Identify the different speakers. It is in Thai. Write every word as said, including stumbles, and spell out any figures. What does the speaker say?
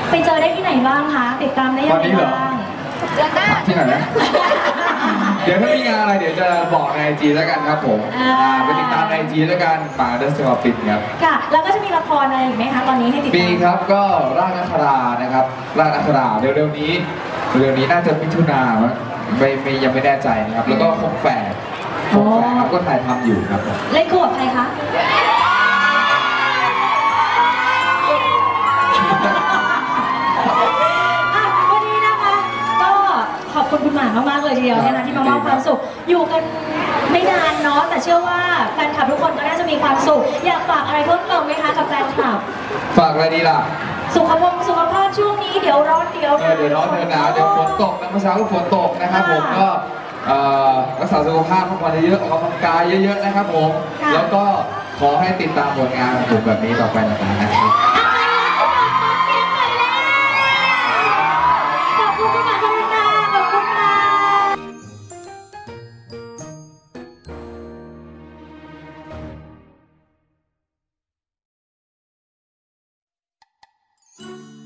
Speaker 1: ไปเจอได้ที่ไหนบ้างคะติดตามได้ยังไงบ้าง
Speaker 2: เดือนหน้า
Speaker 3: ที่ไหนนะเดี๋ยวถ้ามีงานอะไรเดี๋ยวจะบอกในไอจีแล้วกันครับผมไปติดตามในไอจีแล้วกันป่าเดอะสกอร์ปิดครับ
Speaker 1: ค่ะแล้วก็จะมีละครอะไรอีกไหมคะตอนนี้ให้ติดตาม
Speaker 3: มีครับก็ร่างนักรานะครับร่างนักราเร็วๆนี้เร็วๆนี้น่าจะมิถุนาไม่ไม่ยังไม่แน่ใจนะครับแล้วก็คงแฝดคงแฝดครับก็ถ่ายทำอยู่ครับ
Speaker 1: เล่นคู่กับใครคะวันนี้นะคะก็ขอบคุณคุณหมามากๆเลยทีเดียวนะคะที่มามอบความสุขอยู่กันไม่นานเนาะแต่เชื่อว่าแฟนคลับทุกคนก็น่าจะมีความสุขอยากฝากอะไรเพิ่มเติมไหมคะกับแฟนคลับ
Speaker 3: ฝากอะไรดีล่ะ
Speaker 1: สุขภาพสุขภาพช่วงนี้เดี๋ยวร้อนเดี๋ยว
Speaker 3: เดี๋ยวร้อนเดี๋ยวหนาวเดี๋ยวฝนตกนะเมื่อเช้าก็ฝนตกนะครับผมก็รักษาสุขภาพพักผ่อนเยอะๆออกกำลังกายเยอะๆนะครับผมแล้วก็ขอให้ติดตามผลงานของผมแบบนี้ต่อไปนะครับ
Speaker 1: ขอบคุณค่ะขอบคุณค่ะขอบคุณค่ะ